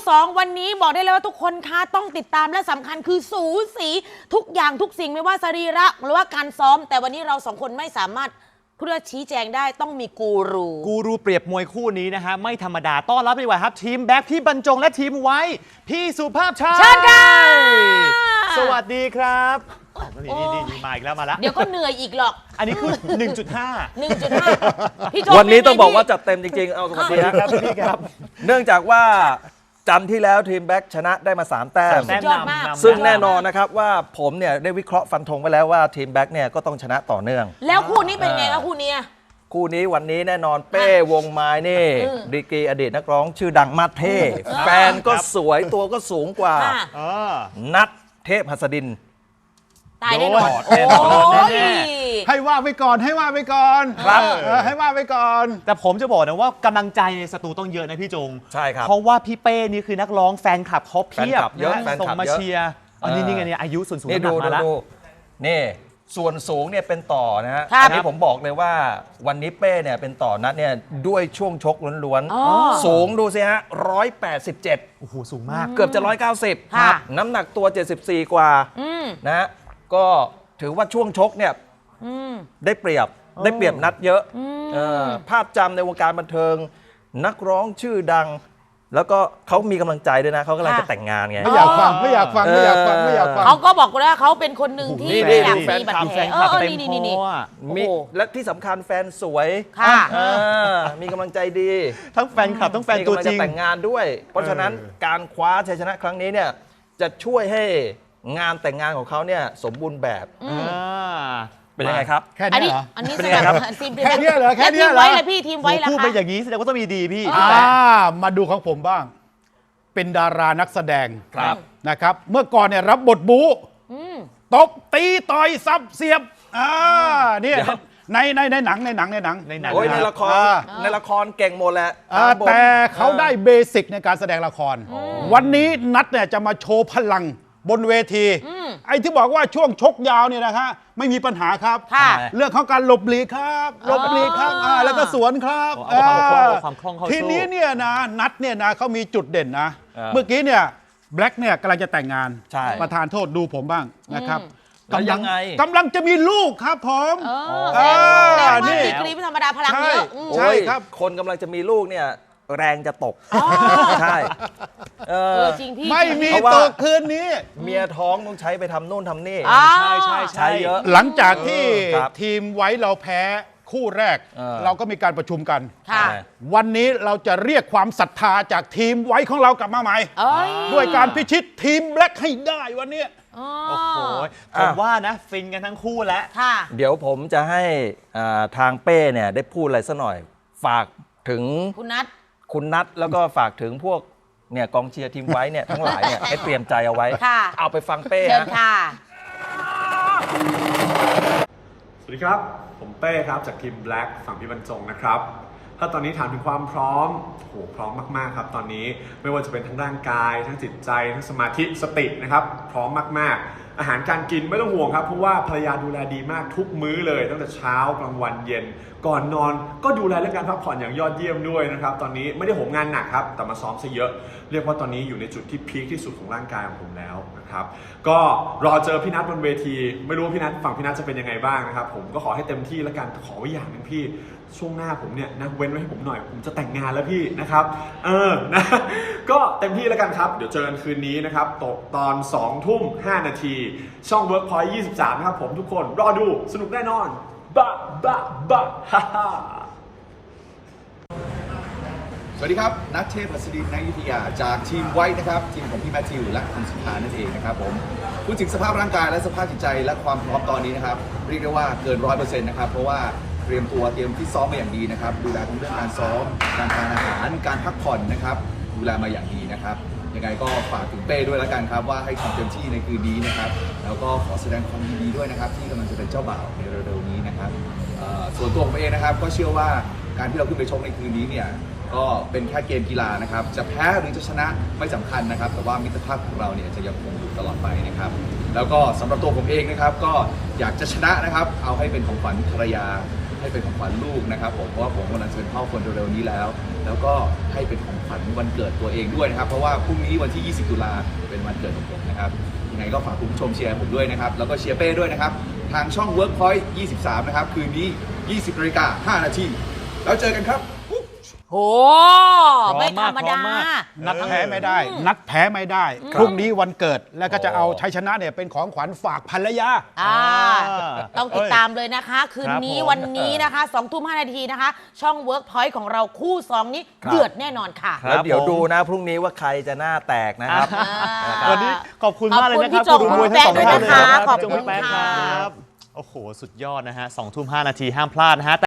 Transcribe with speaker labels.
Speaker 1: 2วันนี้บอกได้เลยว่าทุกคนคะต้องติดตามและสำคัญคือสูสีทุกอย่างทุกสิ่งไม่ว่าสรีระหรือว่าการซ้อมแต่วันนี้เราสองคนไม่สามารถเพื่อชี้แจงได้ต้องมีกูรู
Speaker 2: เปรียบมวยคู่นี้นะฮะไม่ธรรมดาต้อนรับดีกว่าครับทีมแบ็คพี่บรรจงและทีมไว้พี่สุภาพชัย
Speaker 1: เชิญค่ะ
Speaker 2: สวัสดีครับนี่มาอีกแล้วมาแล้ว
Speaker 1: เดี๋ยวก็เหนื่อยอีกหรอก
Speaker 2: อันนี้คือ 1.5
Speaker 1: พี่โจ
Speaker 3: วันนี้ต้องบอกว่าจัดเต็มจริงๆเอาสวัสดีครับพี่ครับเนื่องจากว่าจันทร์ที่แล้วทีมแบ็คชนะได้มา3แต้มซึ่งแน่นอนนะครับว่าผมเนี่ยได้วิเคราะห์ฟันธงไว้แล้วว่าทีมแบ็คเนี่ยก็ต้องชนะต่อเนื่อง
Speaker 1: แล้วคู่นี้เป็นไงครับคู่นี้
Speaker 3: วันนี้แน่นอนเป้วงไม้นี่ดีกรีอดีตนักร้องชื่อดังมาเท่แฟนก็สวยตัวก็สูงกว่านัทเทพหัสดิน
Speaker 1: ตายแน่นอน
Speaker 4: ให้ว่าไปก่อนครับให้ว่าไปก่อน
Speaker 2: แต่ผมจะบอกนะว่ากำลังใจในสตูต้องเยอะนะพี่จง
Speaker 3: ใช่ครับ
Speaker 2: เพราะว่าพี่เป้นี่คือนักร้องแฟนคลับเขาเพียบ
Speaker 3: เยอะ
Speaker 2: ส่งมาเชียร์อันนี้ไงเนี่ยอายุส่วนสูงหนักมาแล้ว
Speaker 3: นี่ส่วนสูงเนี่ยเป็นต่อนะฮะอันนี้ผมบอกเลยว่าวันนี้เป้เนี่ยเป็นต่อนัดเนี่ยด้วยช่วงชกล้วนๆสูงดูสิฮะ187
Speaker 2: โอ้โหสูงมาก
Speaker 3: เกือบจะ190น้ำหนักตัว74กว่านะก็ถือว่าช่วงชกเนี่ยได้เปรียบนัดเยอะภาพจำในวงการบันเทิงนักร้องชื่อดังแล้วก็เขามีกำลังใจด้วยนะเขากำลังจะแต่งงานไง
Speaker 4: ไม่อยากฟัง
Speaker 1: เขาก็บอกว่าเขาเป็นคนหนึ่งที่ไม่อยากมีบัตรแผล
Speaker 3: มีและที่สำคัญแฟนสวยมีกำลังใจดี
Speaker 2: ทั้งแฟนคลับทั้งแฟนตัวจริง
Speaker 3: แต่งงานด้วยเพราะฉะนั้นการคว้าชัยชนะครั้งนี้เนี่ยจะช่วยให้งานแต่งงานของเขาเนี่ยสมบูรณ์แบบเป็นยังไงครับ
Speaker 4: แค่นี้เหรอ
Speaker 1: อันนี้เป็นยังไงครับ
Speaker 4: แค่นี้เหรอ
Speaker 1: ทีมไว้เลยพี่ทีมไว้แล้ว
Speaker 2: พูดไปอย่างนี้แสดงว่าต้องมีดีพี่
Speaker 4: มาดูของผมบ้างเป็นดารานักแสดงนะครับเมื่อก่อนเนี่ยรับบทบู๊ตบตีต่อยซับเสียบเนี่ยในหนัง
Speaker 3: โอ้ยในละครเก่งหมดแหละ
Speaker 4: แต่เขาได้เบสิกในการแสดงละครวันนี้นัดเนี่ยจะมาโชว์พลังบนเวทีไอ้ที่บอกว่าช่วงชกยาวเนี่ยนะฮะไม่มีปัญหาครับเรื่องของการหลบหลีกครับแล้วก็สวนครับทีนี้เนี่ยนะนัดเนี่ยนะเขามีจุดเด่นนะเมื่อกี้เนี่ยแบล็กเนี่ยกำลังจะแต่งงานประธานโทษดูผมบ้างนะครับกำลังจะมีลูกครับผม
Speaker 1: นี่ดีกรีไม่ธรรมดาพลังเยอะ
Speaker 3: ใช่ครับคนกำลังจะมีลูกเนี่ยแรงจะตกใช่
Speaker 1: จริงพี่
Speaker 4: ไม่มีตกคืนนี้
Speaker 3: เมียท้องต้องใช้ไปทำโน่นทำนี่
Speaker 2: ใช่
Speaker 3: เยอะ
Speaker 4: หลังจากที่ทีมไว้เราแพ้คู่แรกเราก็มีการประชุมกันวันนี้เราจะเรียกความศรัทธาจากทีมไว้ของเรากลับมาใหม่ด้วยการพิชิตทีมแบล็คให้ได้วันนี้
Speaker 2: โอ้โหผมว่านะฟินกันทั้งคู่แล้ว
Speaker 3: เดี๋ยวผมจะให้ทางเป้เนี่ยได้พูดอะไรสักหน่อยฝากถึงคุณนัทแล้วก็ฝากถึงพวกเนี่ยกองเชียร์ทีมไว้เนี่ยทั้งหลายเนี่ยให้เตรียมใจเอาไว้เอาไปฟังเป้
Speaker 1: เชิญค่ะ
Speaker 5: สวัสดีครับผมเป้ครับจากทีม Black ฝั่งพี่บรรจงนะครับถ้าตอนนี้ถามถึงความพร้อมโหพร้อมมากๆครับตอนนี้ไม่ว่าจะเป็นทั้งร่างกายทั้งจิตใจทั้งสมาธิสตินะครับพร้อมมากๆอาหารการกินไม่ต้องห่วงครับเพราะว่าภรรยาดูแลดีมากทุกมื้อเลยตั้งแต่เช้ากลางวันเย็นก่อนนอนก็ดูแลเรื่องการพักผ่อนอย่างยอดเยี่ยมด้วยนะครับตอนนี้ไม่ได้โหมงานหนักครับแต่มาซ้อมซะเยอะเรียกว่าตอนนี้อยู่ในจุดที่พีคที่สุดของร่างกายของผมแล้วนะครับก็รอเจอพี่นัทบนเวทีไม่รู้ว่าพี่นัทฝั่งพี่นัทจะเป็นยังไงบ้างนะครับผมก็ขอให้เต็มที่แล้วกันขอไว้อย่างนึงพี่ช่วงหน้าผมเนี่ยนะเว้นไว้ให้ผมหน่อยผมจะแต่งงานแล้วพี่นะครับนะก็เต็มที่แล้วกันครับเดี๋ยวเจอกันคืนนี้นะครับตกตอน20:05 นาทีช่อง Workpoint 23นะครับผมทุกคนรอดูสนุกแน่นอนบ้าฮ่าฮ่า
Speaker 6: สวัสดีครับนัทเทพหัสดินนายุทธยาจากทีมไว้นะครับทีมของพี่แมทธิวและคุณสุภานั่นเองนะครับผมพูดถึงสภาพร่างกายและสภาพจิตใจและความพร้อมตอนนี้นะครับเรียกได้ว่าเกิน 100% นะครับเพราะว่าเตรียมที่ซ้อมมาอย่างดีนะครับดูแลทั้งเรื่องการซ้อมการทานอาหารการพักผ่อนนะครับดูแลมาอย่างดีนะครับยังไงก็ฝากถึงเป้ด้วยแล้วกันครับว่าให้ทำเต็มที่ในคืนนี้นะครับแล้วก็ขอแสดงความยินดีด้วยนะครับที่กำลังจะเป็นเจ้าบ่าวในเร็วๆนี้นะครับส่วนตัวผมเองนะครับก็เชื่อว่าการที่เราขึ้นไปชกในคืนนี้เนี่ยก็เป็นแค่เกมกีฬานะครับจะแพ้หรือจะชนะไม่สำคัญนะครับแต่ว่ามิตรภาพของเราเนี่ยจะยังคงอยู่ตลอดไปนะครับแล้วก็สำหรับตัวผมเองนะครับก็อยากจะชนะนะครับเอาให้เป็นของขวัญภรรยาให้เป็นของขวัญลูกนะครับผมเพราะว่าผมกำลังจะเป็นพ่อคนเร็วๆนี้แล้ว แล้วก็ให้เป็นของขวัญวันเกิดตัวเองด้วยนะครับเพราะว่าพรุ่งนี้วันที่ 20 ตุลาเป็นวันเกิดของผมนะครับยังไงก็ฝากคุณผู้ชมเชียร์ผมด้วยนะครับแล้วก็เชียร์เป้ด้วยนะครับทางช่อง Workpoint 23 นะครับคืนนี้ 20:05 นาทีแล้วเจอกันครับ
Speaker 1: โหไม่ธรรมดา
Speaker 4: นัดแพ้ไม่ได้ นัดแพ้ไม่ได้ พรุ่งนี้วันเกิดแล้วก็จะเอาชัยชนะเนี่ยเป็นของขวัญฝากภรรยา
Speaker 1: ต้องติดตามเลยนะคะ คืนนี้
Speaker 2: ครับผม
Speaker 1: วันนี้นะคะ2:05 นาทีนะคะ ช่อง Workpoint ของเราคู่ 2 นี้เดือดแน่นอนค่ะ
Speaker 3: แล้วเดี๋ยวดูนะพรุ่งนี้ว่าใครจะหน้าแตกนะครับ
Speaker 2: วันนี้ขอบคุณมากเลยนะครับ
Speaker 1: ขอบคุณพี่โจ
Speaker 2: ทั้งสองท่านเลย
Speaker 1: คุณแป๊ะด้วยนะคะ
Speaker 2: รับ
Speaker 1: ขอบคุณ
Speaker 2: พี่โจพี่แป๊ะ
Speaker 1: ค่ะ
Speaker 2: ครับโอ้โห สุดยอดนะฮะ 2:05 นาทีห้ามพลาดนะฮะ